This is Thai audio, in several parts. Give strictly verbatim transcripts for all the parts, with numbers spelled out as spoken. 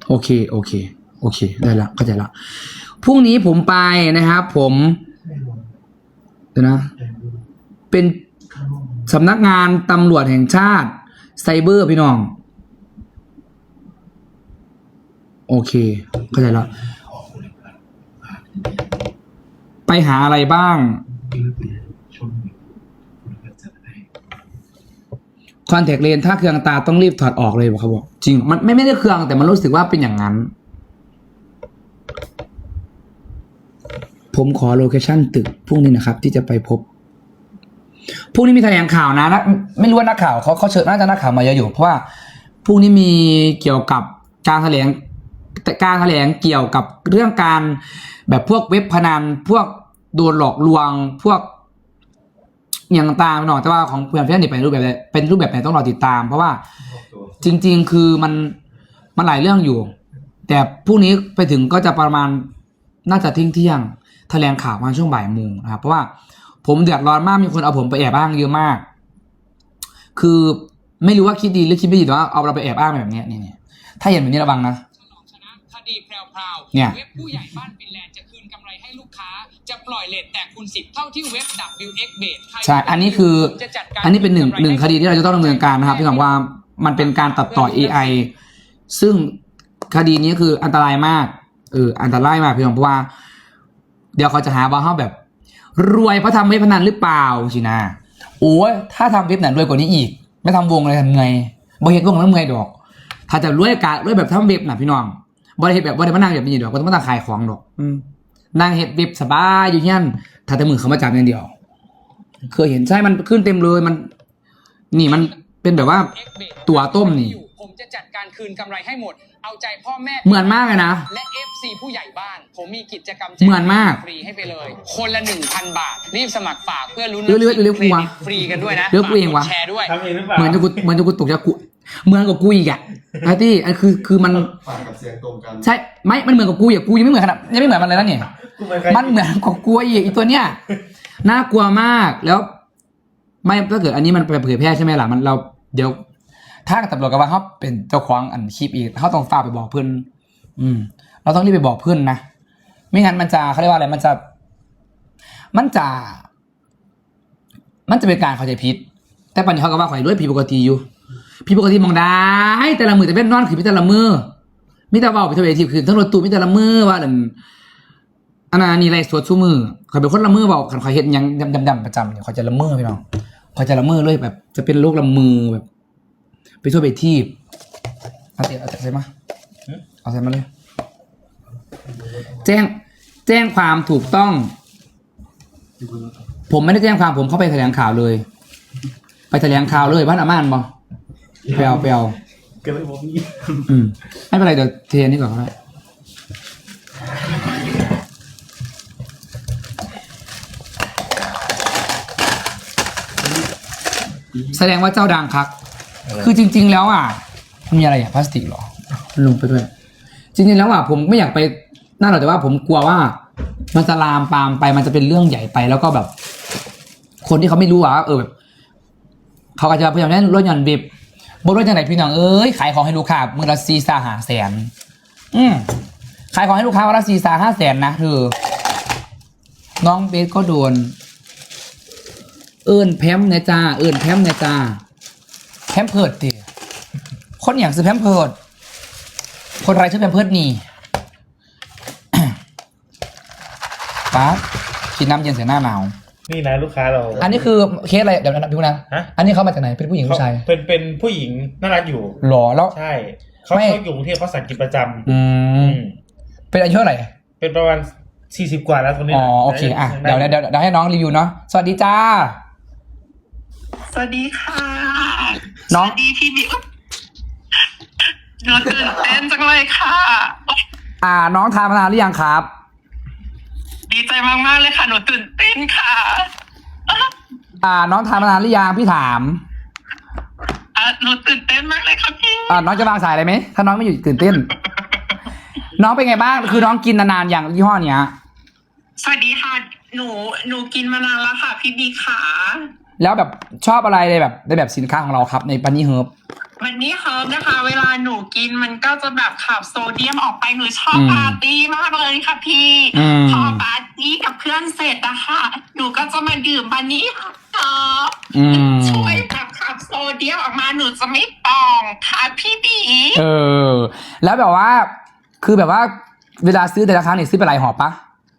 โอเคโอเคโอเคได้ละเข้าใจละพรุ่งนี้ผมไปนะครับผมเดี๋ยวนะเป็นสำนักงานตำรวจแห่งชาติไซเบอร์พี่น้องโอเคเข้าใจแล้วไปหาอะไรบ้างคอนแทคเลนส์ถ้าเครื่องตาต้องรีบถอดออกเลยบอกเขาบอกจริงมันไม่ไม่ได้เครื่องแต่มันรู้สึกว่าเป็นอย่างนั้นผมขอโลเคชั่นตึกพรุ่งนี้นะครับที่จะไปพบพรุ่งนี้มีแถลงข่าวนะนะไม่รู้ว่านักข่าวเขาเขาเชิญน่าจะนักข่าวมาเยอะอยู่เพราะว่าพรุ่งนี้มีเกี่ยวกับการแถลงการแถลงเกี่ยวกับเรื่องการแบบพวกเว็บพนันพวกโดนหลอกลวงพวกอย่างต่างๆหน่อยแต่ว่าของเพื่อนเพื่อนนี่เป็นรูปแบบเป็นรูปแบบไหนต้องรอติดตามเพราะว่าจริงๆคือมันมันหลายเรื่องอยู่แต่พรุ่งนี้ไปถึงก็จะประมาณน่าจะทิ้งเที่ยงแถลงข่าวมาช่วงบ่ายโมงนะครับเพราะว่าผมเดือดร้อนมากมีคนเอาผมไปแอบอ้างเยอะมากคือไม่รู้ว่าคิดดีหรือคิดไม่ดีแต่ว่าเอาเราไปแอบอ้างแบบนี้นี่ถ้าเห็นแบบนี้ระวังนะคดีแพรวๆเนี่ยเว็บผู้ใหญ่บ้านฟินแลนด์จะคืนกำไรให้ลูกค้าจะปล่อยเลทแต่คูณสิบเท่าที่เว็บ ดับเบิลยู เอ็กซ์ Base ใช่อันนี้คืออันนี้เป็นหนึ่งหนึ่งคดีที่เราจะต้องดำเนินการนะครับพี่น้องว่ามันเป็นการตัดต่อ เอ ไอ ซึ่งคดีนี้คืออันตรายมากเอออันตรายมากพี่น้องเพราะว่าเดี๋ยวเขาจะหาว่าเขาแบบรวยเพราะทำเว็บพนันหรือเปล่าสินะโอ้ยถ้าทำเว็บไหนรวยกว่านี้อีกไม่ทำวงเลยทำไงบ่เห็นวงแล้วไงดอกถ้าจะรวยการรวยแบบทำเว็บนะพี่น้องบ่ได้เห็นแบบบ่ได้มานั่งแบบนี้ดอกก็ต้องมาตั้งขายของดอกอืมนั่งเห็ดเว็บสบายอยู่ที่นั่นถ้าแต่มือเขามาจับอย่างเดียวเคยเห็นใช่มันขึ้นเต็มเลยมันนี่มันเป็นแบบว่าตัวต้มนี่ผมจะจัดการคืนกำไรให้หมดเอาใจพ่อแม่เหมือนมากเลยนะและ เอฟ ซี ผู้ใหญ่บ้านผมมีกิจกรรมเหมือนมากฟรีให้ไปเลยคนละ หนึ่งพัน บาทรีบสมัครฝากเพื่อลุ้นเรื่อยๆเรื่อยๆกูวะฟรีกันด้วยนะเรื่อยๆกูเองวะแชร์ด้วยเหมือนจะกูเหมือนจะกูตกจากกูเหมือนกับกูอีกอะไอ้ที่อันคือคือมันฝากกับเสียงตรงกันใช่ไม่มันเหมือนกับกูอย่างกูยังไม่เหมือนขนาดยังไม่เหมือนมันเลยนะเนี่ยมันเหมือนกับกูอีกอีตัวเนี้ยน่ากลัวมากแล้วไม่ถ้าเกิดอันนี้มันไปเผยแพร่ใช่ไหมล่ะมันเราเดี๋ยวถ้าตำรวจกับว่าเขาเป็นเจ้าของอันคลิปอีกเขาต้องฝากไปบอกเพื่อนอืมเราต้องรีบไปบอกเพื่อนนะไม่งั้นมันจะเขาเรียกว่าอะไรมันจะมันจะมันจะเป็นการเข้าใจผิดแต่ปัญญาเขาก็ว่าข่อยรวยผิดปกติอยู่ผิดปกติมองได้แต่ละมือแต่เป็นนอนคือมีแต่ละมือมิแต่ว่าไปทวีทีคือทั้งรถตู้มิแต่ละมือว่าอันอันนั้นนี่ไรสวดชูมือข่อยเป็นคนละมือบอกข่อยเห็นยังดำๆประจำเนี่ยข่อยจะละมือพี่น้องข่อยจะละมือเลยแบบจะเป็นโรคละมือแบบไปทั่วไปที่เอาเตะเอาใส่มาเอาใส่มาเลยแจ้งแจ้งความถูกต้องผมไม่ได้แจ้งความผมเข้าไปแถลงข่าวเลยไปแถลงข่าวเลยบ้านอาม่านบ่เปลวเปลวก็เลยผมนี่อืมไม่เป็นไรเดี๋ยวเทนี่ก่อนก็ได้แสดงว่าเจ้าดังครับคือจริงๆแล้วอ่ะมันมีอะไรอ่ะพลาสติกหรอลงไปด้วยจริงๆแล้วอ่ะผมไม่อยากไปนั่นหรอกแต่ว่าผมกลัวว่ามันจะลามปามไปมันจะเป็นเรื่องใหญ่ไปแล้วก็แบบคนที่เขาไม่รู้อ่ะเออแบบเขาอาจจะพยายามเล่นรถยนต์บิบบนรถยังไงพี่น้องเอ้ยขายของให้ลูกค้ามือละสี่สาห้าแสนอืมขายของให้ลูกค้าวันละสี่สาห้าแสนนะเธอน้องเบสก็โดนเอิญแพมเนี่ยจ้าเอิญแพมเนี่ยจ้าแพมเพิร์ดดิคนอย่างซื้อแพมเพิร์ดคนไรชื่อแพมเพิร์ดนี่ ป๊ากินน้ำเย็นเสียหน้าหนาวนี่นะลูกค้าเราอันนี้คือเคสอะไรเดี๋ยวนะพี่นะอันนี้เขามาจากไหนเป็นผู้หญิงผู้ชายเป็นเป็นผู้หญิงน่ารักอยู่หรอแล้วใช่เขาเขาอยู่กรุงเทพเขาสั่งกินประจำอืมเป็นอายุเท่าไหร่เป็นประมาณสี่สิบกว่าแล้วตอนนี้อ๋อโอเคอ่ะเดี๋ยวเดี๋ยวเดี๋ยวให้น้องรีวิวเนาะสวัสดีจ้าสวัสดีค่ะน้องสวัสดีพี่บิ๊กหนูตื่นเต้นจังเลยค่ะอ่าน้องทานมานานหรือยังครับดีใจมากๆเลยค่ะหนูตื่นเต้นค่ะอ่าน้องทานมานานหรือยังพี่ถามอ่าหนูตื่นเต้นมากเลยค่ะพี่อ่าน้องจะวางสายอะไรไหมถ้าน้องไม่อยู่ตื่นเต้นน้องเป็นไงบ้างคือน้องกินนานๆอย่างยี่ห้อเนี้ยสวัสดีค่ะหนูหนูกินมานานแล้วค่ะพี่บิ๊กค่ะแล้วแบบชอบอะไรในแบบในแบบสินค้าของเราครับในปันนี่เฮิร์บวันนี้เฮิร์บนะคะ เวลาหนูกินมันก็จะแบบขับโซเดียมออกไปหนูชอบปาร์ตี้มากเลยค่ะพี่อืมพอปาร์ตี้กับเพื่อนเสร็จนะคะหนูก็จะมาดื่มบันนี้ค่ะอืมช่วยแบบขับโซเดียมออกมาหนูจะไม่ปองค่ะพี่บีเออ แล้วแบบว่า คือแบบว่า เวลาซื้อแต่ละครั้งเนี่ยซื้อไปหลายห่อปะ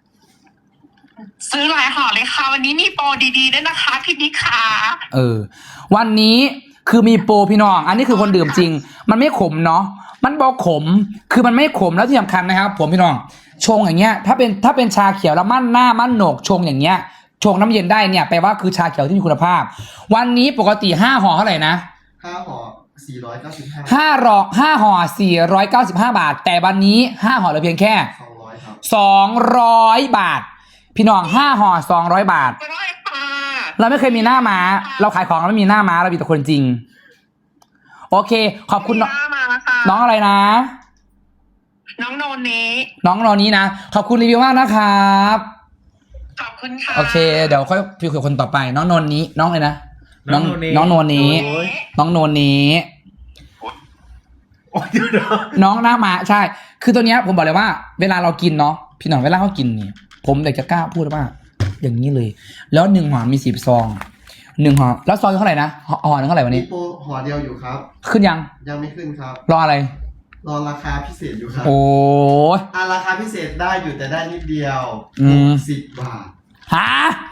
ซื้อหลายห่อเลยค่ะ วันนี้มีโปรดีๆด้วยนะคะพี่บิ๊กค่ะเออ วันนี้คือมีโปรพี่น้อง อันนี้คือคนดื่มจริง มันไม่ขมเนาะ มันบอกขม คือมันไม่ขมแล้วที่สำคัญนะครับ ผมพี่น้อง ชงอย่างเงี้ย ถ้าเป็นถ้าเป็นชาเขียวแล้วมั่นหน้ามั่นโหนกชงอย่างเงี้ย ชงน้ำเย็นได้เนี่ยแปลว่าคือชาเขียวที่มีคุณภาพ วันนี้ปกติห้าห่อเท่าไหร่นะห้าห่อสี่ร้อยเก้าสิบห้าห้าห่อห้าห่อสี่ร้อยเก้าสิบห้าบาท แต่วันนี้ห้าห่อเหลือเพียงแค่สองร้อยครับสองร้อยบาท พี่น้องห้าห่อสองร้อยบาทก็ได้ค่ะเราไม่เคยมีหน้าม้า เราขายของเราไม่มีหน้าม้าเรามีแต่คนจริง โอเค ขอบคุณน้องพี่มาแล้วค่ะน้องอะไรนะน้องโนเนน้องรอนี้นะ ขอบคุณรีวิวมากนะครับขอบคุณค่ะโอเค เดี๋ยวค่อยพิวกับคนต่อไป น้องนนนี้ น้องอะไรนะ น้องน้องโนเนน้องโนนี้โอ้ยน้องโนนี้โอ้ยเดี๋ยวนะน้องหน้าม้าใช่ คือตัวเนี้ยผมบอกเลยว่า เวลาเรากินเนาะ พี่น้องเวลาเขากินเนี่ย ผมอยากจะกล้าพูดว่า อย่างนี้เลย แล้วหนึ่งห่อมีสิบซองหนึ่งห่อแล้วซองเท่าไหร่นะห่อห่อหนึ่งเท่าไหร่วันมีนี้โปรห่อเดียวอยู่ครับขึ้นยังยังไม่ขึ้นครับรออะไรรอราคาพิเศษอยู่ครับโอ้ยอ่ะราคาพิเศษได้อยู่แต่ได้นิดเดียวอืมสิบบาทหา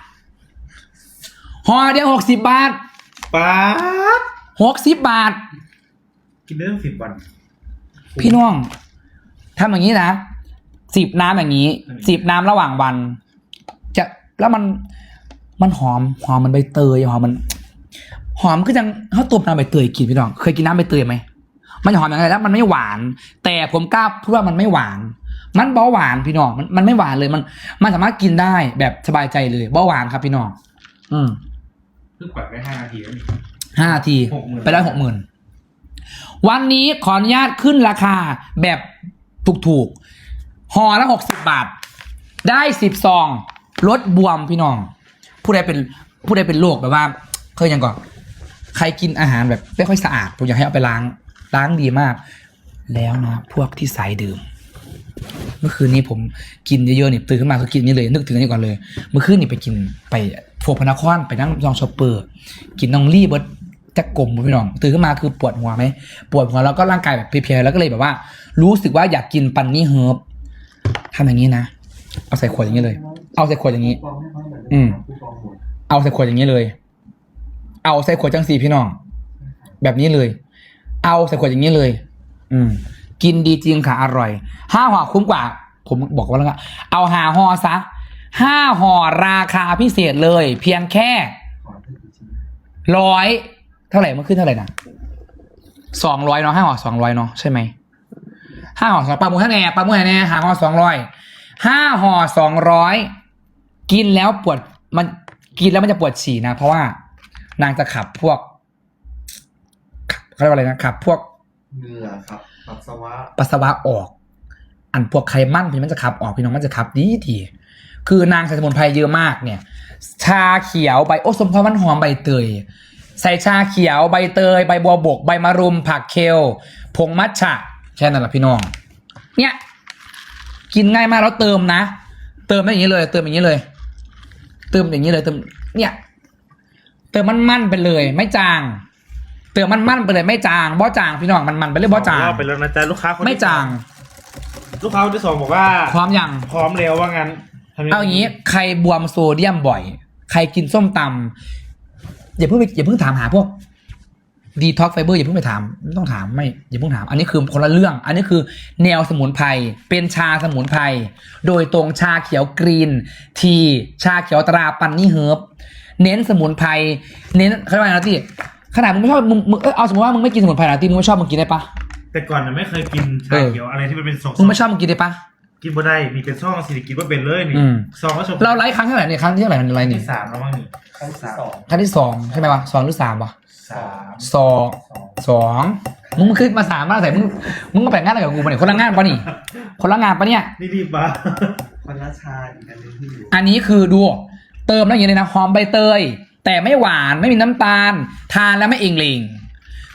ห่อเดียวหกสิบบาทป๊าดหกสิบบาทกินได้ตั้งสิบวันพี่น้องทำอย่างนี้นะสิบน้ำอย่างนี้สิบน้ำระหว่างวัน จะแล้วมันมันหอมหอมมันใบเตยหอมมัน หอมคือจังเขาตุบน้ำใบเตยกินพี่น้อง เคยกินน้ำใบเตยไหมมันหอมอย่างไรแล้วมันไม่หวาน แต่ผมกล้าพูดว่ามันไม่หวาน มันเบาหวานพี่น้องมันมันไม่หวานเลยมัน มันสามารถกินได้แบบสบายใจเลยเบาหวานครับพี่น้องอืมเพิ่งปล่อยไปห้านาทีแล้วนี่ห้านาทีหกหมื่นไปได้หกหมื่นวันนี้ขออนุญาตขึ้นราคาแบบถูกๆห่อละหกสิบบาท ได้สิบซองลดบวมพี่น้อง ผู้ใดเป็นผู้ใดเป็นโรคแบบว่าเคยยังก่อนใครกินอาหารแบบไม่ค่อยสะอาดผมอยากให้เอาไปล้างล้างดีมาก แล้วนะพวกที่สายดื่ม เมื่อคืนนี้ผมกินเยอะๆนี่ตื่นขึ้นมาก็กินนี่เลยนึกถึงอันนี้ก่อนเลย เมื่อคืนนี่ไปกินไปโฟกพนักคอนไปนั่งลองชอปเปอร์ กินน้องรี่เบิร์ดจะกลมพี่น้องตื่นขึ้นมาคือปวดหัวไหมปวดหัวแล้วก็ร่างกายแบบเพลียๆแล้วก็เลยแบบว่า รู้สึกว่าอยากกินปันนี่เฮิร์บทำอย่างนี้นะเอาใส่ขวดอย่างนี้เลย เอาใส่ขวดอย่างนี้ อืม เอาใส่ขวดอย่างนี้เลย เอาใส่ขวดจังสีพี่น้อง แบบนี้เลย เอาใส่ขวดอย่างนี้เลย อืม กินดีจริงค่ะอร่อยห้าห่อคุ้มกว่า ผมบอกว่าแล้วก็เอาหาห่อซะห้าห่อราคาพิเศษเลย เพียงแค่ร้อยเท่าไหร่มันขึ้นเท่าไหร่นะสองร้อยเนาะห้าห่อสองร้อยเนาะใช่ไหมห้าห่อสองปลาหมูท่าแน่ปลาหมูท่าแน่หาห่อสองร้อยห้าห่อสองร้อยกินแล้วปวดมันกินแล้วมันจะปวดฉี่นะเพราะว่านางจะขับพวกเขาเรียกว่าอะไรนะขับพวกเหงื่อครับปัสสาวะปัสสาวะออก อันพวกไขมันพี่มันจะขับออกพี่น้องมันจะขับดีดีคือนางใส่สมุนไพรเยอะมากเนี่ย ชาเขียวใบโอ้สมพรมันหอมใบเตยใส่ชาเขียวใบเตยใบบัวบกใบมะรุมผักเคลผงมัทฉะแค่นั้นแหละพี่น้องเนี่ยกินง่ายมากแล้วเติมนะเติมอย่างนี้เลย เติมอย่างนี้เลย เติมอย่างนี้เลยเติมเนี่ยเติมมันมันๆไปเลย ไม่จางเติมมันมันๆไปเลยไม่จางบ่จางพี่น้องมันมันๆไปเลยบ่จางรอบไปแล้วนะจ๊ะลูกค้าคนที่ไม่จางลูกค้าคนที่สองบอกว่าพร้อมยังพร้อมแล้วว่างั้นทำเอาอย่างนี้ใครบวมโซเดียมบ่อย ใครกินส้มตำอย่าเพิ่งไปอย่าเพิ่งถามหาพวกดีท็อกไฟเบอร์อย่าเพิ่งไปถามไม่ต้องถามไม่อย่าเพิ่งถาม อันนี้คือคนละเรื่อง อันนี้คือแนวสมุนไพรเป็นชาสมุนไพรโดยตรงชาเขียวกรีนทีชาเขียวตราปันนี่เฮิร์บเน้นสมุนไพรเน้นเขาเรียกว่าอะไรนะที่ขนาดมึงไม่ชอบมึงมึงเออเอาสมมติว่ามึงไม่กินสมุนไพรนะที่มึงไม่ชอบมึงกินได้ปะแต่ก่อนน่ะไม่เคยกินชาเออเขียวอะไรที่มันเป็นซองมึงไม่ชอบมึงกินได้ปะกินบ่ได้มีเป็นซองสิริกินว่าเป็นเลยนี่อืมซองก็ชมเราไลฟ์ครั้งเท่าไหร่เนี่ยครั้งที่เท่าไหร่มันไลฟ์นี่ที่สามแล้วมั้งนี่ครั้งที่สองครั้งที่สองใช่ไหมวะสองหรือสามวะสามสองสองมึงขึ้นมาสามมาใส่มึงมึงก็แบ่งงานอะไรกับกูปะเนี่ยคนละงานปะนี่คนละงานปะเนี่ยนี่รีบมาคนละชาอีกอันหนึงที่อยู่อันนี้คือดูเติมแล้วอย่างนี้เลยนะหอมใบเตย แต่ไม่หวานไม่มีน้ำตาล ทานแล้วไม่เองเลง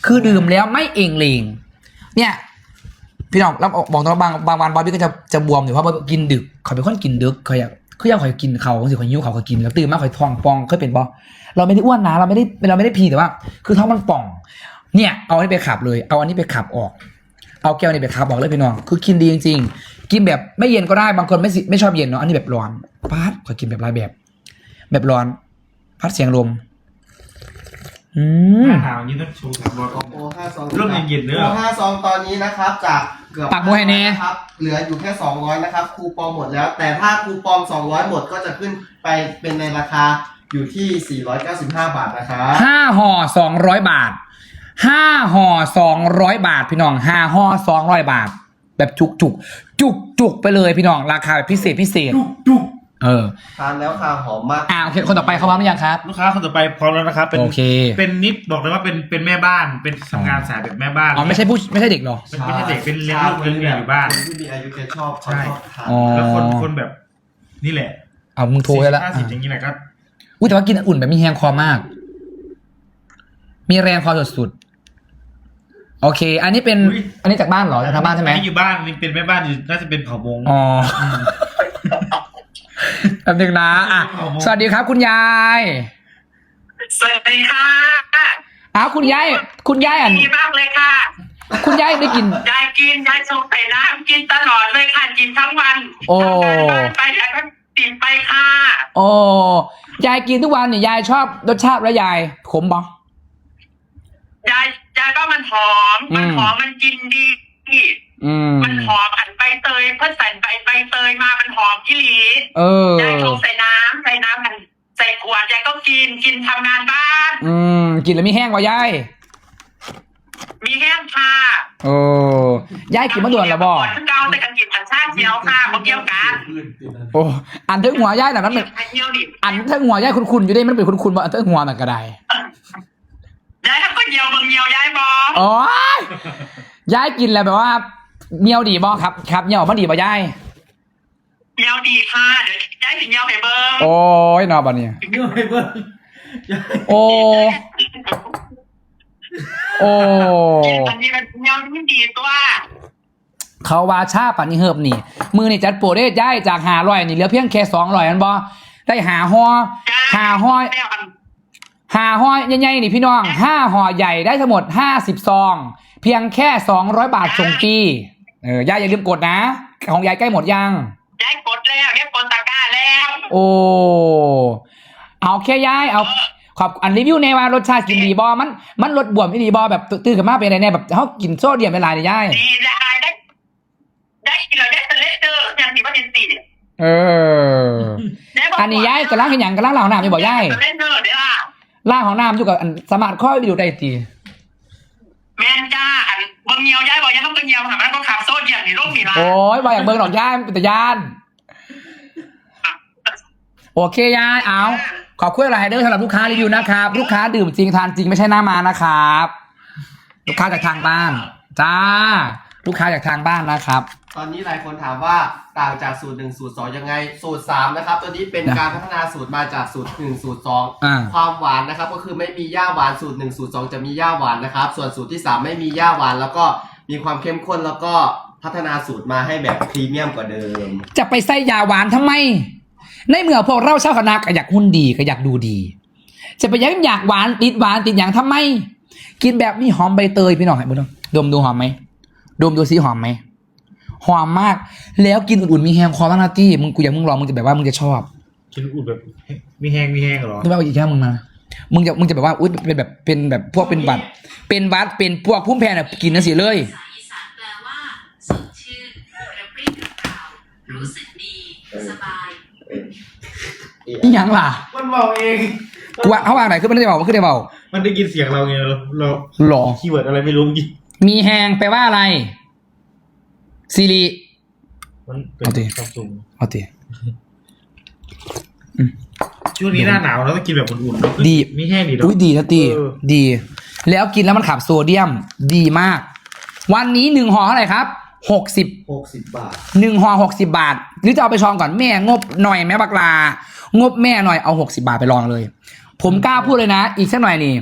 คือดื่มแล้วไม่เองเลงเนี่ยพี่น้องเราบอกตรงบางบางวันบอยพี่ก็จะจะบวมอยู่เพราะว่ากินดึกเขาเป็นคนกินดึกเขาอยากคืออยากคอยกินเขาสิคอยยิ้วเขาเขากินแล้วตื่นมาคอยท้องป่องเคยเป็นบอเราไม่ได้อ้วนนะเราไม่ได้เราไม่ได้พีแต่ว่า คือท้องมันป่องเนี่ยเอาอันนี้ไปขับเลยเอาอันนี้ไปขับออกเอาแก้วนี้ไปขับออกเลยพี่น้องคือกินดีจริงๆกินแบบไม่เย็นก็ได้บางคนไม่ไม่ชอบเย็นเนาะอันนี้แบบร้อนพัดคอยกินแบบหลายแบบ แบบร้อนพัดเสียงลมอืมหน้าหนาวนี้ต้องโชว์สามร้อยออกโอ้ห้าซองเริ่มเย็นๆเด้อโอ้ห้าซองตอนนี้นะครับจากเกือบปากมวยแน่นะครับเหลืออยู่แค่สองร้อยนะครับคูปองหมดแล้ว แต่ถ้าคูปองสองร้อยหมดก็จะขึ้นไปเป็นในราคาอยู่ที่สี่ร้อยเก้าสิบห้าบาทนะครับห้าห่อสองร้อยบาทห้าห่อสองร้อยบาทพี่น้องห้าห่อสองร้อยบาท แบบจุกจุกจุกจุกไปเลยพี่น้องราคาแบบพิเศษพิเศษจุกจุกเออทานแล้วค่ะหอมมากอ่าโอเคคนต่อไปเขาพร้อมหรือยังครับลูกค้าคนต่อไปพร้อมแล้วนะครับเป็นโอเคเป็นนิดบอกเลยว่าเป็นเป็นแม่บ้านเป็นทำงานสายแบบแม่บ้านอ๋อไม่ใช่ผู้ไม่ใช่เด็กเหรอไม่ไม่ใช่เด็กเป็นเลี้ยงลูกเลี้ยงเมียอยู่บ้านคนที่มีอายุแกชอบเขาใช่ชอบทานอ๋อแล้วคนคนแบบนี่แหละเอามึงโทรได้แล้วห้าสิบอย่างนี้แหละครับอุ้ยแต่ว่ากินอุ่นแบบมีแรงคอมาก มีแรงคอสุดๆโอเค อันนี้เป็นอันนี้จากบ้านเหรอจากทางบ้านใช่ไหมไม่อยู่บ้านนี่เป็นแม่บ้านอยู่น่าจะเป็นเผ่ามงอ๋อแป๊บนึงนะอ่ะสวัสดีครับคุณยายสวัสดีค่ะอ้าวคุณยายคุณยายอ่ะดีมากเลยค่ะคุณยายได้กินยายกินยายชงใส่น้ำกินตลอดเลยค่ะกินทั้งวันโอ้ทำงานบ้านไปยายก็กินไปค่ะโอ้ยายกินทุกวันเนี่ยยายชอบรสชาติแล้วยายขมบ่ยายยายก็มันหอมมันหอมมันกินดีอืมมันหอมอันใบเตยเพื่อใส่ใบใบเตยมามันหอมที่หลีเออยายชงใส่น้ำใส่น้ำมันใส่ขวดยายก็กินกินทำงานบ้านอืมกินแล้วมีแห้งกว่ายายมีแห้งค่ะโอ้ยายกินมะด่วนแล้วบ่ก่อนที่เกาแต่กันกินผันชาติเจียวค่ะเขาเกี่ยวกันโอ้อันเทิงหัวยายน่ะมันเป็นเกี่ยวดิอันเทิงหัวยายคุณๆอยู่ได้มันเป็นคุณๆบ่อันเทิงหัวน่ะก็ได้ยายก็เกี่ยวบางเกี่ยวยายบอโอ้ยยายกินแล้วแบบว่าเมียวดีบ่ครับครับเมียวบ่ดีบ่ยายเกี่ยวดีค่ะเดี๋ยวยายถึงเกี่ยวให้เบิ้งโอ้ยนอบัดนี้เงื่อนไปเบิ้งโอ้โอ้อันนี้มันเกี่ยวที่ดีตัวเขาว่าชาปันนี่เฮิบนี่ มือนี่จัดโปรได้ย้ายจากหาร้อยนี่เหลือเพียงแค่สองร้อยอันบ่ได้หาห่อหาห่อหาห่อใหญ่ๆนี่พี่น้องห้าห่อใหญ่ได้ทั้งหมดห้าสิบซอง เพียงแค่สองร้อยบาทส่งฟรีเออยายอย่าลืมกดนะ ของยายใกล้หมดยังยายกดแล้วยายกดตะกร้าแล้วโอ้เอาแค่ยายเอาขอบอันรีวิวในว่ารสชาติกินดีบอมันมันรสบวมไม่ดีบอแบบตื่นขึ้นมาเป็นอะไรเนี่ยแบบเขากินโซเดียมเป็นไรเนี่ยยายดีได้ได้ได้กินเลยได้ทะเลเจออย่างที่ว่าเป็นสี่เออ อันนี้ยายกำลังเห็นอย่างกำลังเหล่าน้ำอยู่บอกยายทะเลเจอเดี๋ยวล่ะล่างของน้ำอยู่กับอันสมาร์ทข้อยไปดูได้ตีแม่นจ้าอันเบิ้งเงียวยายบอกยายต้องเบิ้งเงียวค่ะมันก็ขับโซ่อย่างนี้ร่มนี่ละโอ้ยบอกอย่างเบิร์หรอกยายเป็นแต่ยานโอเคยายเอาขอบคุณอะไรเด้อสำหรับลูกค้ารีวิวนะครับ ลูกค้าดื่มจริงทานจริงไม่ใช่หน้ามานะครับ ลูกค้าจากทางบ้านจ้าลูกค้าจากทางบ้านนะครับตอนนี้หลายคนถามว่าต่างจากสูตรหนึ่งสูตรสองยังไงสูตรสามนะครับตัวนี้เป็นนะการพัฒนาสูตรมาจากสูตรหนึ่งสูตรสองอ่าความหวานนะครับก็คือไม่มีย่าหวานสูตรหนึ่งสูตรสองจะมีย่าหวานนะครับส่วนสูตรที่สามไม่มีย่าหวานแล้วก็มีความเข้มข้นแล้วก็พัฒนาสูตรมาให้แบบพรีเมียมกว่าเดิมจะไปใส่ยาหวานทำไม ในเมื่อพวกเราชาวคณะก็อยากหุ่นดีก็อยากดูดี จะไปยังอยากหวานติดหวานติดอย่างทำไม กินแบบมีหอมใบเตยพี่น้องให้บุญดมดูหอมไหมดมดูซิหอมไหมหอมมากแล้วกินอุ่นๆมีแฮมคอร์นาตี้มึงกูอยากมึงลองมึงจะแบบว่ามึงจะชอบกินอุ่นแบบมีแห้งมีแห้งเหรอไม่ว่าอีกแค่มึงมามึงจะมึงจะแบบว่าอุ้ยเป็นแบบเป็นแบบพวกเป็นบัตรเป็นบัตรเป็นพวกพุ่มแพนอ่ะกินนั่นสิเลยภาษาอีสานแปลว่าสดชื่นกระปรี้กระเปร่ารู้สึกดีสบายนี่ยังล่ะมันบอกเองกูว่าเขาวางไหนขึ้นไม่ได้เบาขึ้นได้เบามันได้ยินเสียงเราไงเราเราหรอคีย์เวิร์ดอะไรไม่รู้ยิงมีแฮงแปลว่าอะไรซีรีมันเป็นเอาดิซัมซุงเอาตีช่วงนี้หน้าหนาวเราต้องกินแบบอุ่นๆเนอะดีมีแห้งดีเนาะอุ้ยดีนะตีเออดี แล้วกินแล้วมันขับโซเดียมดีมาก วันนี้หนึ่งห่อเท่าไหร่ครับหกสิบหกสิบบาทหนึ่งห่อหกสิบาท หรือจะเอาไปชองก่อนแม่งบหน่อยแม่บักลางบแม่หน่อยเอาหกสิบาทไปลองเลย ผมกล้าพูดเลยนะ อีกสักหน่อยนี่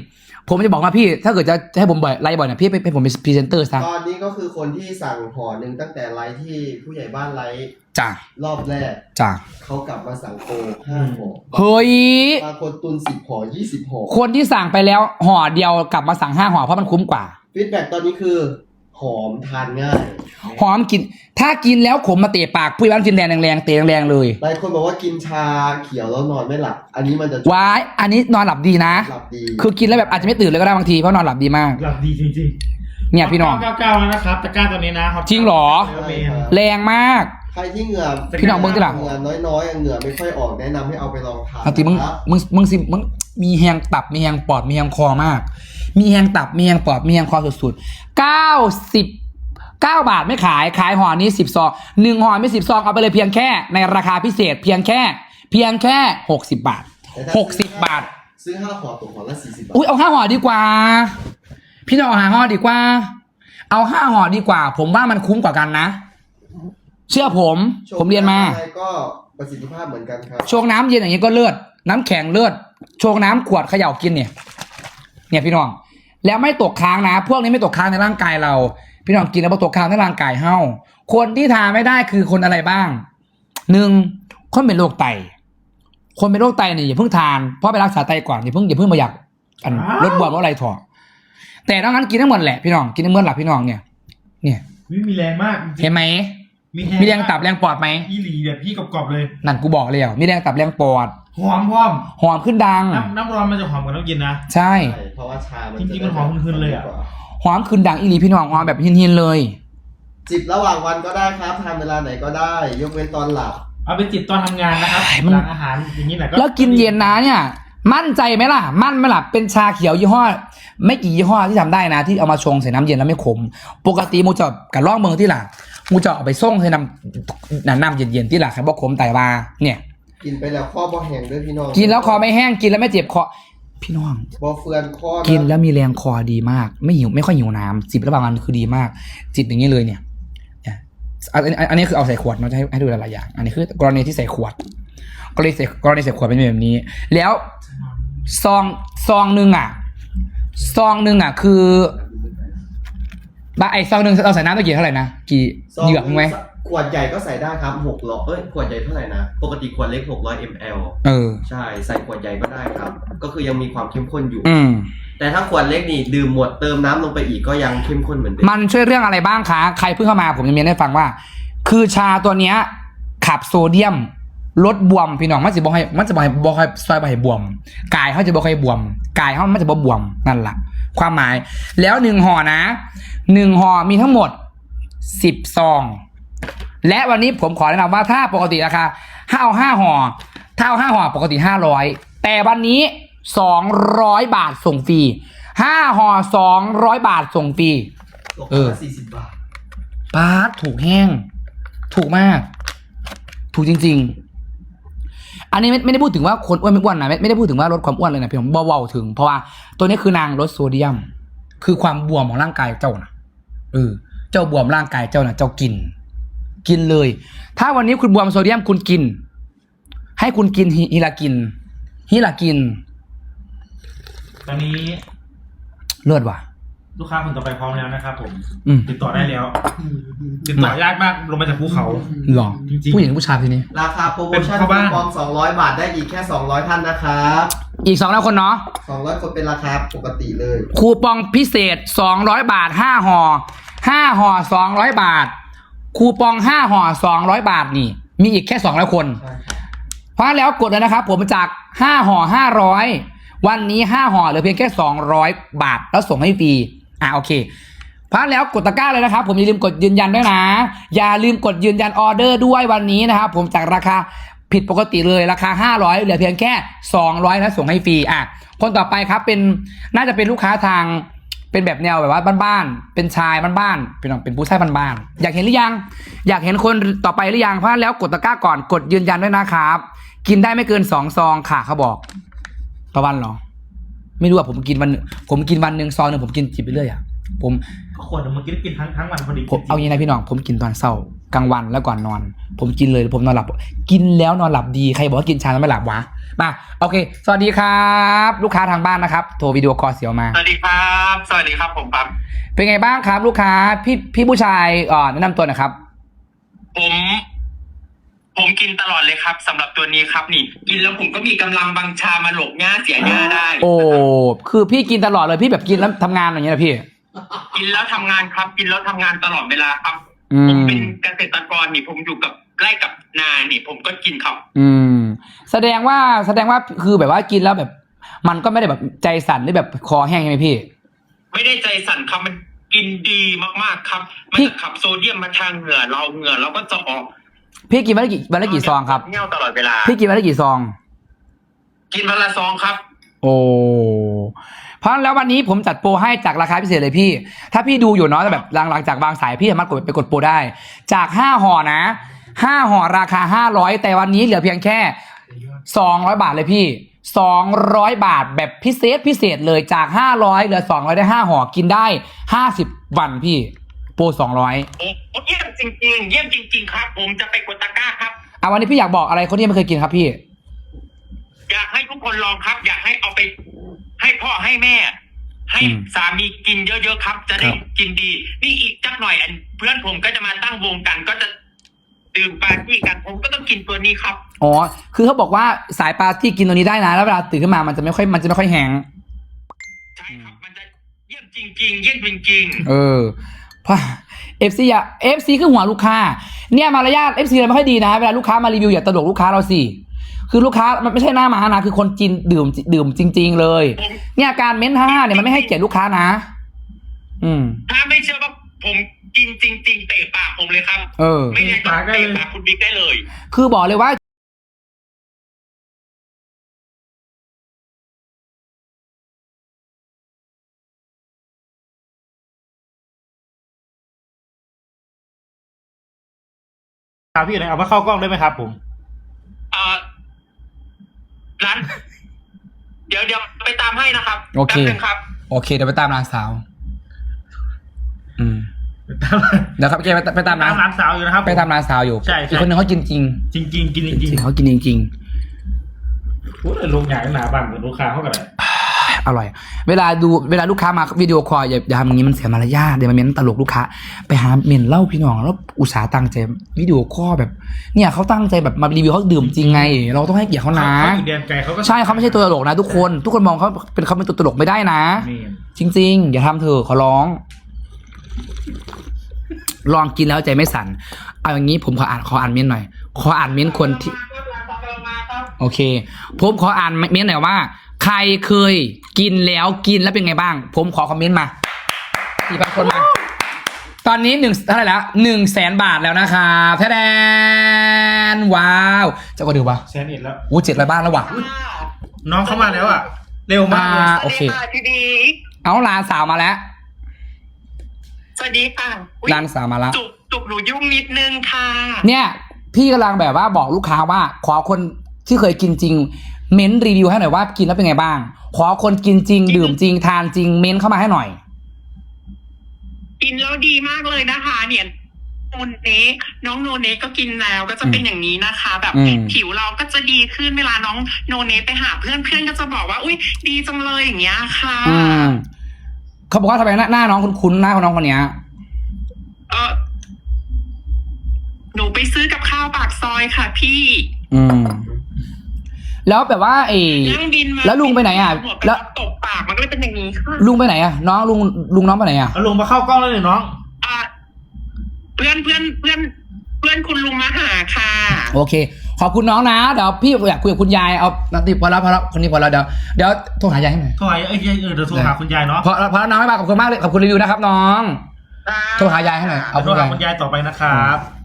ผมจะบอกว่าพี่ ถ้าเกิดจะให้ผมบ่อยไลฟ์บ่อยเนี่ยพี่เป็นผมเป็นพรีเซนเตอร์ซะตอนนี้ก็คือคนที่สั่งห่อหนึ่งตั้งแต่ไลฟ์ที่ผู้ใหญ่บ้านไลฟ์จ้ะรอบแรกจ้ะเขากลับมาสั่งโกห้าห่อเฮ้ยบางคนตุนสิบห่อยี่สิบห่อคนที่สั่งไปแล้วห่อเดียวกลับมาสั่งห้าห่อเพราะมันคุ้มกว่าฟีดแบ็กตอนนี้คือหอมทานง่ายหอมกิน ถ้ากินแล้วขมมาเตะปากผู้ใหญ่บ้านฟินแลนด์แรงๆเตะแรงๆเลยหลายคนบอกว่ากินชาเขียวแล้วนอนไม่หลับ อันนี้มันจะว้ายอันนี้นอนหลับดีนะหลับดีคือกินแล้วแบบอาจจะไม่ตื่นเลยก็ได้บางทีเพราะนอนหลับดีมากหลับดีจริงๆเนี่ยพี่น้องเก้าเก้าแล้วนะครับตะกร้าตัวนี้นะจริงเหรอเมนแรงมากใครที่เหงื่อพี่น้องเบิ่งที่หลังเหงื่อน้อยๆเหงื่อไม่ค่อยออกแนะนำให้เอาไปลองทานเอาทีมึงนะครับมึงมึงสิมึงมีแหงตับมีแหงปอดมีแหงคอมาก มีแหงตับมีแหงปอดมีแหงคอสุดๆเก้าสิบเก้าบาทไม่ขายขายห่อนี้สิบซองหนึ่งห่อไม่สิบซองเอาไปเลยเพียงแค่ในราคาพิเศษเพียงแค่ เพียงแค่หกสิบบาทแต่ถ้าหกสิบบาทซื้อห้าห่อตกห่อละสี่สิบบาทอุ้ยเอาห้าห่อดีกว่า พี่น้องเอาห้าห่อดีกว่า เอาห้าห่อดีกว่า ผมว่ามันคุ้มกว่ากันนะ เชื่อผม ผมเรียนมาอะไรก็ประสิทธิภาพเหมือนกันครับโชงน้ำเย็นอย่างนี้ก็เลือดน้ำแข็งเลือดโชงน้ำขวดเขย่ากินเนี่ย เนี่ยพี่น้อง แล้วไม่ตกค้างนะ พวกนี้ไม่ตกค้างในร่างกายเรา พี่น้องกินแล้วไม่ตกค้างในร่างกายเฮาคนที่ทานไม่ได้คือคนอะไรบ้างหนึ่งคนเป็นโรคไต คนเป็นโรคไตเนี่ยอย่าเพิ่งทานเพราะไปรักษาไตก่อนอย่าเพิ่งอย่าเพิ่งมาอยากอันลดบวมลดอะไรถอดแต่นอกนั้นกินทั้งหมดแหละพี่น้องกินทั้งหมดหลับพี่น้องเนี่ย เนี่ยวิมีแรงมากจริงๆเห็นไหมมีมีแรงตับแรงปอดไหมอีหลีแบบพี่กรอบๆเลยนั่นกูบอกเลยอ่ะมีแรงตับแรงปอดหอมพร้อมหอมขึ้นดังน้ำน้ำร้อนมันจะหอมกว่าน้ำเย็นนะใช่ใช่เพราะว่าชามันจริงๆมันหอมหืนๆเลยอะหอมขึ้นดังอีหลีพี่น้องหอมแบบหินๆเลยจิบระหว่างวันก็ได้ครับทานเวลาไหนก็ได้ ยกเว้นตอนหลับเอาไปจิบตอนทำงานนะครับไอ้มันหลังอาหารอย่างนี้แหละแล้วกินเย็นนะเนี่ย มั่นใจไหมล่ะ มั่นไหมล่ะเป็นชาเขียวยี่ห้อ ไม่กี่ยี่ห้อที่ทำได้นะ ที่เอามาชงใส่น้ำเย็นแล้วไม่ขม ปกติมูจะกับล่องเมืองที่หล่ะมูจะเอาไปส่งใส่น้ำน้ำเย็นๆที่หล่ะครับบอกขมไตวาเนี่ยกินไปแล้วข้อบ่แห้งด้วยพี่น้องกินแล้วคอไม่แห้งกินแล้วไม่เจ็บคอพี่น้องบ่เฟือนข้อนะกินแล้วมีแรงคอดีมาก ไม่หิวไม่ค่อยหิวน้ำจิบระหว่างวันคือดีมาก จิบอย่างนี้เลยเนี่ยเนี่ยอันอันอันนี้คือเอาใส่ขวดเนาะจะให้ให้ดูหลายๆอย่าง อันนี้คือกรณีที่ใส่ขวดกรณีใส่กรณีใส่ขวดเป็นแบบนี้ แล้วซองซองหนึ่งอ่ะซองหนึ่งอ่ะคือบะไอซองหนึ่งเราใส่น้ำตะกี้เท่าไหร่นะกี่ซองเหยือกไหมขวดใหญ่ก็ใส่ได้ครับหกร้อยเอ้ยขวดใหญ่เท่าไหร่นะปกติขวดเล็กหกร้อยมลเออใช่ใส่ขวดใหญ่ก็ได้ครับ ก็คือยังมีความเข้มข้นอยู่อืมแต่ถ้าขวดเล็กนี่ดื่มหมดเติมน้ำลงไปอีกก็ยังเข้มข้นเหมือนเดิมมันช่วยเรื่องอะไรบ้างคะ ใครเพิ่งเข้ามาผมจะมีให้ฟังว่า คือชาตัวเนี้ยขับโซเดียมลดบวมพี่น้องมันจะบอกให้มันจะบอกให้บอกให้ซอยบอกให้บวมกายเขาจะบอกให้บวมกายเขามันจะบอกบวมนั่นแหละความหมาย แล้วหนึ่งห่อนะหนึ่งห่อมีทั้งหมดสิบซองและวันนี้ผมขอแนะนำว่าถ้าปกติราคาถ้าเอาห้าห่อถ้าเอาห้าห่อปกติห้าร้อยแต่วันนี้สองร้อยบาทส่งฟรีห้าห่อสองร้อยบาทส่งฟรีตกเออละสี่สิบบาทป้าดถูกแห้ง ถูกมาก ถูกจริง ๆ อันนี้ไม่ไม่ได้พูดถึงว่าคนอ้วนไม่อ้วนนะไม่ไม่ได้พูดถึงว่าลดความอ้วนเลยนะพี่ผมเบาๆถึง เพราะว่าตัวนี้คือนางลดโซเดียม คือความบวมของร่างกายเจ้านะเออเจ้าบวมร่างกายเจ้านะเจ้ากิน กินเลย ถ้าวันนี้คุณบวมโซเดียมคุณกิน ให้คุณกินฮิฮิลากินฮิลากินตอนนี้เลือดว่ะลูกค้าคนต่อไปพร้อมแล้วนะครับผมอืมติดต่อได้แล้ว ติดต่อยากมากลงมาจากภูเขาหรอจริงๆผู้หญิงหรือผู้ชายทีนี้ราคาโปรโมชั่นเป็นเข้าบ้านคูปองสองร้อยบาทได้อีกแค่สองร้อยท่านนะครับอีกสองร้อยคนเนาะสองร้อยคนเป็นราคาปกติเลยคูปองพิเศษสองร้อยบาทห้าห่อห้าห่อสองร้อยบาท คูปองห้าห่อสองร้อยบาทนี่ มีอีกแค่สองร้อยคนใช่ครับเพราะแล้วกดเลยนะครับ ผมจากห้าห่อห้าร้อยวันนี้ห้าห่อเหลือเพียงแค่สองร้อยบาทแล้วส่งให้ฟรีอ่ะโอเคเพราะแล้วกดตะกร้าเลยนะครับ ผมอย่าลืมกดยืนยันด้วยนะ อย่าลืมกดยืนยันออเดอร์ด้วยวันนี้นะครับผมจากราคาผิดปกติเลยราคาห้าร้อยเหลือเพียงแค่สองร้อยแล้วส่งให้ฟรีอ่ะคนต่อไปครับเป็นน่าจะเป็นลูกค้าทางเป็นแบบแนวแบบว่าบ้านๆเป็นชายบ้านๆเป็นเป็นผู้ชายบ้านๆอยากเห็นหรือยัง อยากเห็นคนต่อไปหรือยังเพราะแล้วกดตะกร้าก่อนกดยืนยันด้วยนะครับ กินได้ไม่เกินสองซองค่ะเขาบอกต่อวันเหรอไม่รู้อ่ะผมกินวันผมกินวันหนึ่งซองหนึ่งผมกินจิบไปเรื่อยอ่ะผมก็ควรจะมากินกินทั้งทั้งวันพอดีผมเอาอย่างไรพี่น้องผมกินตอนเช้ากลางวันแล้วก่อนนอน ผมกินเลยผมนอนหลับ กินแล้วนอนหลับดีใครบอกว่ากินชาแล้วไม่หลับวะมาโอเค สวัสดีครับ ลูกค้าทางบ้านนะครับโทรวิดีโอคอลเสียวมาสวัสดีครับ สวัสดีครับผมปั๊มเป็นไงบ้างครับ ลูกค้าพี่พี่ผู้ชายเอ่อแนะนำตัวหน่อยครับผม ผมกินตลอดเลยครับสำหรับตัวนี้ครับนี่ กินแล้วผมก็มีกำลังบังชามาหลบหญ้าเสียหญ้าได้โอ้คือพี่กินตลอดเลยพี่แบบกินแล้วทำงานอย่างเงี้ยนะพี่กินแล้วทำงานครับ กินแล้วทำงานตลอดเวลาครับอืผมมเป็นเกษตรกรนี่ผมอยู่กับไร่กับนานี่ผมก็กินครับอืมแสดงว่าแสดงว่าคือแบบว่ากินแล้วแบบ มันก็ไม่ได้แบบใจสั่นหรือแบบคอแห้งใช่ไหมพี่ไม่ได้ใจสั่นครับมันกินดีมากๆครับ มันพี่จะขับโซเดียมมาทางเหงื่อเราเหงื่อเราก็จะออกพี่กินวันละกี่วันละกี่ซองครับเงี้ยวตลอดเวลาพี่กินวันละกี่ซองกินวันละซองครับโอ้เพราะแล้ววันนี้ผมจัดโปรให้จากราคาพิเศษเลยพี่ ถ้าพี่ดูอยู่เนาะแบบหลังหลังจากวางสายพี่สามารถกดไปกดโปรได้ จากห้าห่อนะห้าห่อราคาห้าร้อยแต่วันนี้เหลือเพียงแค่สองร้อยบาทเลยพี่สองร้อยบาทแบบพิเศษพิเศษเลยจากห้าร้อยเหลือสองร้อยได้ห้าห่อกินได้ห้าสิบวันพี่โปรสองร้อยโอ้เยี่ยมจริงๆ เยี่ยมจริง ๆ ครับ ผมจะไปกดตะกร้าครับอ่ะวันนี้พี่อยากบอกอะไรคนที่ยังไม่เคยกินครับพี่อยากให้ทุกคนลองครับ อยากให้เอาไปให้พ่อให้แม่ ให้อืมสามีกินเยอะๆครับ จะได้ครับกินดี นี่อีกจักหน่อยอันเพื่อนผมก็จะมาตั้งวงกัน ก็จะดื่มปาร์ตี้กัน ผมก็ต้องกินตัวนี้ครับอ๋อคือเขาบอกว่าสายปาร์ตี้กินตัวนี้ได้นะแล้วเวลาตื่นขึ้นมามันจะไม่ค่อยมันจะไม่ค่อยแห้งใช่ครับ มันจะเยี่ยมจริง ๆ เยี่ยมจริงเออเพราะเอฟซีอะเอฟซีคือหัวลูกค้าเนี่ยมารยาทเอฟซีเราไม่ค่อยดีนะเวลาลูกค้ามารีวิวอย่าตลกลูกค้าเราสิคือลูกค้ามันไม่ใช่หน้ามานะคือคนกินดื่มดื่มจริง ๆ เลยผมเนี่ยการเม้นท่าเนี่ยมันไม่ให้เกียรติลูกค้านะ อืมๆ ถ้าไม่เชื่อว่าผมกินจริง ๆ เตะปากผมเลยครับเออไม่งั้นก็เตะปากคุณบิ๊กได้เลยคือบอกเลยว่าครับพี่ไหนเอามาเข้ากล้องได้ไหมครับผมเอ่อร้าน เดี๋ยวเดี๋ยวไปตามให้นะครับโอเคแป๊บนึงครับโอเคเดี๋ยวไปตามนางสาว อืมไปตามเดี๋ยวครับแกไปไปตามตามนางร้านสาวอยู่นะครับไปตามนางสาวอยู่ใช่ใช่อีกคนนึงเขากินจริงจริงจริงๆกินจจริงริงเขากินจริงๆพูดเลยลงอย่างหนาบังกับลูกค้าเขากันเลยๆอร่อย เวลาดูเวลาลูกค้ามาวิดีโอคอลอย่าอย่าทำอย่างนี้มันเสียมารยาทเดี๋ยวมันเม้นตลกลูกค้า ไปหาเมนเล่าพี่น้องแล้วอุตสาห์ตั้งใจวิดีโอคอลแบบ เนี่ยเขาตั้งใจแบบมารีวิวเขาดื่มจริงไง เราต้องให้เกียรติเขานะเขาอยู่แดนไกลเขาก็ใช่เขาไม่ใช่ตัวตลกนะทุกคน ทุกคนมองเขาเป็นเขาเป็นตัวตลกไม่ได้นะนี่จริง ๆ อย่าทำเถอะขอร้อง ลองกินแล้วใจไม่สั่นเอาอย่างนี้ผมขออ่านขออ่านเม้นต์หน่อย ขออ่านเม้นต์คนที่ โอเค ผมขออ่านเม้นต์หน่อยว่า ใครเคยกินแล้วกินแล้วเป็นไงบ้าง ผมขอคอมเมนต์มาสี่พันคนมา ตอนนี้หนึ่งเท่าไหร่แล้วหนึ่งแสนบาทแล้วนะครับแทนว้าวจะก็ดูปะแซนเอ็ดแล้วอู้เจ็ดร้อยบ้านแล้วว่ะน้องเข้ามาแล้วอ่ะ เร็วมากเลยอ่า โอเคสวัสดีค่ะพี่บิ๊กเอาหลานสาวมาแล้วสวัสดีค่ะอุ๊ยหลานสาวมาแล้วจุกจุกหนูยุ่งนิดนึงค่ะเนี่ยพี่กำลังแบบว่าบอกลูกค้าว่า ขอคนที่เคยกินจริง เม้นรีวิวให้หน่อยว่ากินแล้วเป็นไงบ้าง ขอคนกินจริง ดื่มจริงทานจริงเม้นเข้ามาให้หน่อยกินแล้วดีมากเลยนะคะ เนี่ยโนเนน้องโนเนก็กินแล้วก็จะเป็นอย่างนี้นะคะ แบบอืมผิวเราก็จะดีขึ้นเวลาน้องโนเนไปหาเพื่อนเพื่อนก็จะบอกว่า อุ้ยดีจังเลยอย่างเงี้ยค่ะอืมเขาบอกว่าทำไมหน้าหน้าน้องคุ้นๆหน้าของน้องคนเนี้ยเออหนูไปซื้อกับข้าวปากซอยค่ะ พี่อืม แล้วแบบว่าไอ้นั่งบินมาแล้วลุงไปไหนอ่ะหัวแล้วตกปากมันก็เลยเป็นอย่างนี้ค่ะลุงไปไหนอ่ะ น้องลุงลุงน้องไปไหนอ่ะเอาลงมาเข้ากล้องแล้วเลยน้องอ่ะเพื่อนเพื่อนเพื่อนเพื่อนคุณลุงมาหาค่ะโอเค ขอบคุณน้องนะเดี๋ยวพี่อยากคุยกับคุณยายเอานาทีพอแล้วพอแล้วคนนี้พอแล้วเดี๋ยวเดี๋ยวโทรหายายให้หน่อยโทรหาเอ้ยเออเดี๋ยวโทรหาคุณยายเนาะพอพอแล้วน้องไม่มาขอบคุณมากเลยขอบคุณรีวิวนะครับน้องโทรหายายให้หน่อยเอาเอาโทคุรณายหายคุณยายต่อไปนะครับ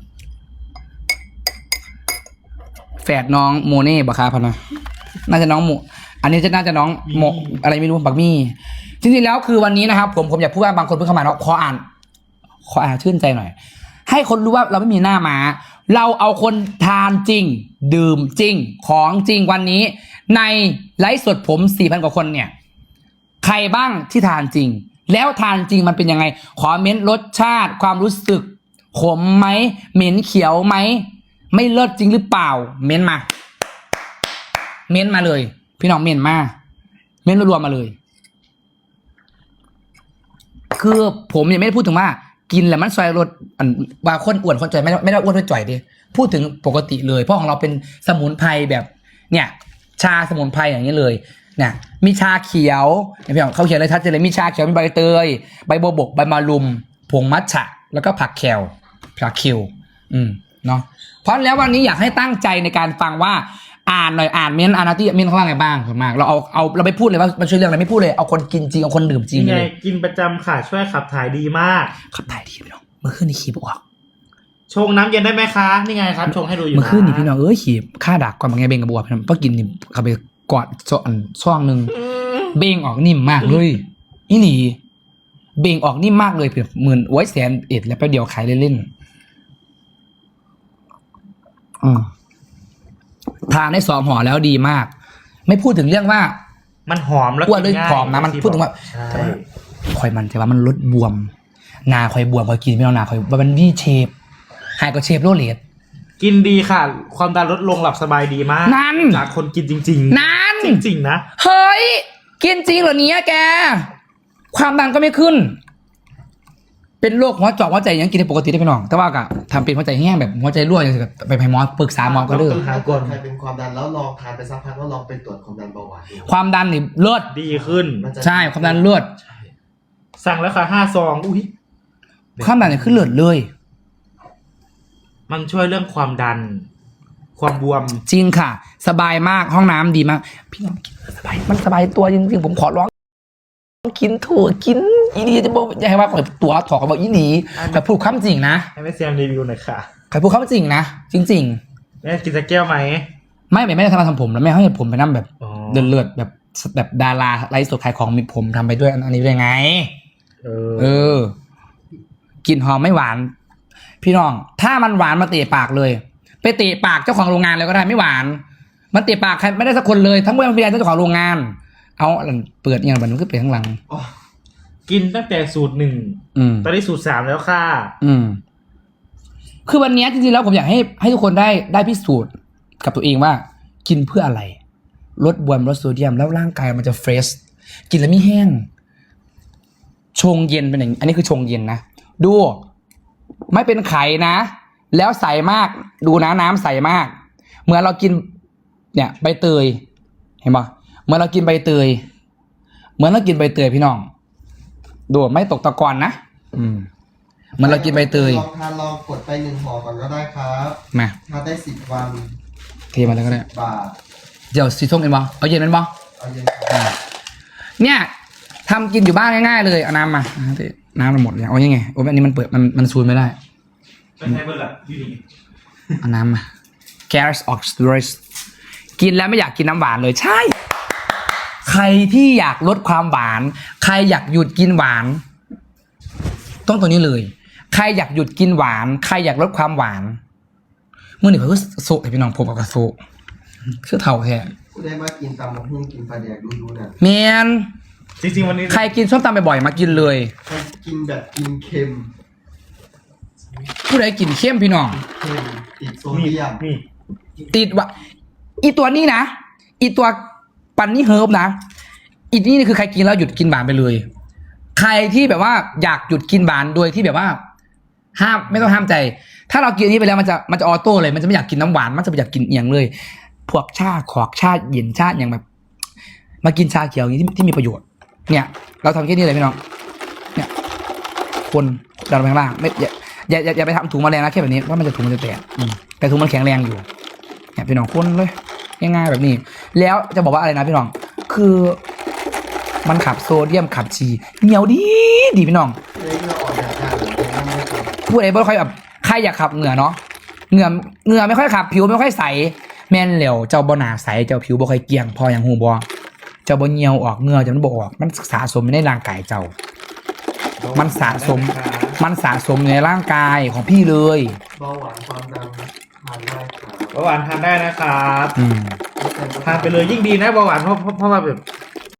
แฝดน้องโมเน่บะคาพะนะน่าจะน้องโมอันนี้จะน่าจะน้องโมอะไรไม่รู้บักมี่จริงๆแล้วคือวันนี้นะครับ ผมผมอยากพูดว่าบางคนเพิ่งเข้ามาเนาะขออ่านขออ่านชื่นใจหน่อย ให้คนรู้ว่าเราไม่มีหน้าม้า เราเอาคนทานจริง ดื่มจริง ของจริงวันนี้ ในไลฟ์สดผม สี่พัน กว่าคนเนี่ย ใครบ้างที่ทานจริง แล้วทานจริงมันเป็นยังไง ขอเม้นรสชาติความรู้สึกขมไหมเหม็นเขียวไหมไม่เลิศจริงหรือเปล่า เม้นมา เม้นมาเลย พี่น้องเม้นมาเม้นรวมๆมาเลย คือผมยังไม่ได้พูดถึงว่า กินแล้วมันซอยลดอันว่าคนอ้วนคนจ่อยไม่ได้ไม่ได้อ้วนด้วยจ่อยดิพูดถึงปกติเลยเพราะของเราเป็นสมุนไพรแบบ เนี่ย ชาสมุนไพรอย่างนี้เลยเนี่ยมีชาเขียวเนี่ยพี่น้องเขาเขียนเลยชัดเจนเลยมีชาเขียวมีใบเตยใบบัวบกใบมะรุมผงมัทฉะแล้วก็ผักแคลผักคิวอืมเนาะเพราะแล้ววันนี้อยากให้ตั้งใจในการฟังว่าอ่านหน่อยอ่านเม้นอานาตี้เม้นเขาว่าไงบ้างส่วนมากเราเอาเอาเราไปพูดเลยว่ามันช่วยเรื่องอะไรไม่พูดเลยเอาคนกินจริงเอาคนดื่มจริงนี่ไงเลยกินประจำค่ะช่วยขับถ่ายดีมากขับถ่ายดีพี่น้องเมื่อคืนนี่ขี่บออกชงน้ำเย็นได้ไหมคะนี่ไงครับชงให้ดูอยู่นะเมื่อคืนนี่พี่น้องเอ้ยขี่ค่าดักก่อนบางไงเบงกับบวพี่น้องพอกินนี่ขับไปกอดซ่อนช่องหนึ่งเบงออกนิ่มมากเลยอีหลีเบงออกนิ่มมากเลยเผื่อหมื่นโอ้ยแสนเอ็ดแล้วแป๊บเดียวขายเล่นๆอืมทานได้สองห่อแล้วดีมาก ไม่พูดถึงเรื่องว่ามันหอมแล้วอ้วนด้วยกิง่ายผอมนะมันพูดถึงว่าใช่คอยมันแต่ว่ามันลดบวมหนาคอยบวมคอยกินไม่เอาหนาคอยมันวีเชฟหายก็เชฟโรเลตกินดีค่ะ ความดันลดลงหลับสบายดีมากนั่นจากคนกินจริงนั่นๆ จริงๆนะเฮ้ยกินจริงเหรอเนี้ยแก ความดันก็ไม่ขึ้น เป็นโรคหัวเจาะหัวใจยังกินได้ปกติได้พี่น้อง แต่ว่าก็ทำเป็นหัวใจแห้งแบบหัวใจรั่วอย่างเงี้ยไปไปหมอปรึกษาหมอก็เลิกถ้าเกิดใครเป็นความดันแล้วลองทานไปสักพักแล้วลองไปตรวจความดันเบาหวานดูความดันนี่เลิศดีขึ้นมันจะใช่ความดันเลิศสั่งแล้วค่ะห้าซองอุ้ยความดันนี่ขึ้นเลิศเลยมันช่วยเรื่องความดัน ความบวมจริงค่ะ สบายมากห้องน้ำดีมาก พี่น้องกินสบายมันสบายตัวจริงๆผมขอร้องกินถั่วกินอีนีจะบอกอย่าให้ว่าตัวถอดเขาบอกอีนีแต่พูดความจริงนะให้แม่แซมรีวิวหน่อยค่ะใครพูดความจริงนะจริงแม่กินสักแก้วไหมๆ ไม่ไม่ได้ทำมาทำผมแล้วแม่ให้ผมไปนั่งแบบอ๋อเลือดๆแบบแบบดาราไลฟ์สดขายของมีผมทำไปด้วยอันนี้ด้วยไงเออเออ กลิ่นหอมไม่หวาน พี่น้อง ถ้ามันหวานมาเตะปากเลย ไปเตะปากเจ้าของโรงงานเลยก็ได้ไม่หวาน มันเตะปากใครไม่ได้สักคนเลย ทั้งเมื่อมันเป็นเจ้าของโรงงาน เอาอันเปิดอย่างมันก็เปิดข้างหลังอ๋อกินตั้งแต่สูตรหนึ่งอืมตอนนี้สูตรสามแล้วค่ะอืม คือวันนี้จริงๆแล้วผมอยากให้ให้ทุกคนได้ได้พิสูจน์กับตัวเองว่า กินเพื่ออะไร ลดบวมลดโซเดียมแล้วร่างกายมันจะเฟรช กินแล้วไม่แห้ง ชงเย็นเป็นอย่างนี้อันนี้คือชงเย็นนะ ดู ไม่เป็นไข่นะ แล้วใสมาก ดูนะน้ำใสมาก เหมือนเรากิน เนี่ย ใบเตย เห็นปะเหมือนเรากินใบเตย เหมือนเรากินใบเตยพี่น้อง ดูไม่ตกตะกอนนะ อืม เหมือนเรากินใบเตยลองทานลองกดไปหนึ่งห่อก่อนก็ได้ครับมาทานได้สิบวันเทมาแล้วก็ได้บาทเดี๋ยวสีส้มเป็นบอเอาเย็นเป็นบอเอาเย็นครับเนี่ยทำกินอยู่บ้านง่ายๆเลยเอาน้ำมาน้ำมันหมดเลยเอายังไงโอ้ยอันนี้มันเปิดมันมันซูนไม่ได้เป็นไงเบอร์ล่ะพี่ดีเอาน้ำมา Gas Oxidase กินแล้วไม่อยากกินน้ำหวานเลยใช่ ใครที่อยากลดความหวาน ใครอยากหยุดกินหวาน ต้องตัวนี้เลย ใครอยากหยุดกินหวาน ใครอยากลดความหวานเมื่อหนึ่งเขาก็โซ่พี่น้องผมเอากระโซ่ชื่อเท่าแท้กูได้มากินตำมะฮุ่งกินปลาแดกดูดูเนี่ยแมนจริงๆวันนี้ใครกินส้มตำบ่อยๆมากินเลยใครกินแบบกินเค็มผู้ใดกินเข้มพี่น้องเค็มติดโซนี่เดียมนี่ติดว่าอีตัวนี้นะอีตัวปันนี่เฮิร์บนะอีนี่คือใครกินแล้วหยุดกินหวานไปเลย ใครที่แบบว่าอยากหยุดกินหวานโดยที่แบบว่า ห้ามไม่ต้องห้ามใจ ถ้าเรากินอันนี้ไปแล้วมันจะมันจะออโต้เลยมันจะไม่อยากกินน้ำหวานมันจะไม่อยากกินเอียงเลย พวกชาขอกชาเย็นชาอย่างแบบ มากินชาเขียวอย่างนี้ที่ที่มีประโยชน์ เนี่ย เราทำแค่นี้เลยพี่น้องเนี่ย คนดันไปข้างล่างไม่อย่าอย่าอย่าอย่าไปทำถุงแมลงนะแค่แบบนี้เพราะมันจะถุงมันจะแตกอืมแต่ถุงมันแข็งแรงอยู่เนี่ยพี่น้องคนเลยง่ายๆแบบนี้ แล้วจะบอกว่าอะไรนะพี่น้อง คือมันขับโซเดียมขับชีเหนียวดีดีพี่น้องเลยที่เราออกจากกันเลยนั่นไม่ครับพูดอะไรไม่ค่อยแบบใครอยากขับเหงื่อเนาะเหงื่อเหงื่อไม่ค่อยขับผิวไม่ค่อยใสแม่นเหลวเจ้าบ่หนาใสเจ้าผิวบ่ค่อยเกรียงพออย่างหูบ่เจ้าบ่เหี่ยวออกเหงื่อจะมันบ่ออกมันสะสมในร่างกายเจ้า มันสะสม มันสะสมในร่างกายของพี่เลยเบาหวานความดันทานได้ครับเบาหวานทานได้นะครับอืมทานไปเลยยิ่งดีนะเบาหวานเพราะเพราะเพราะว่าแบบ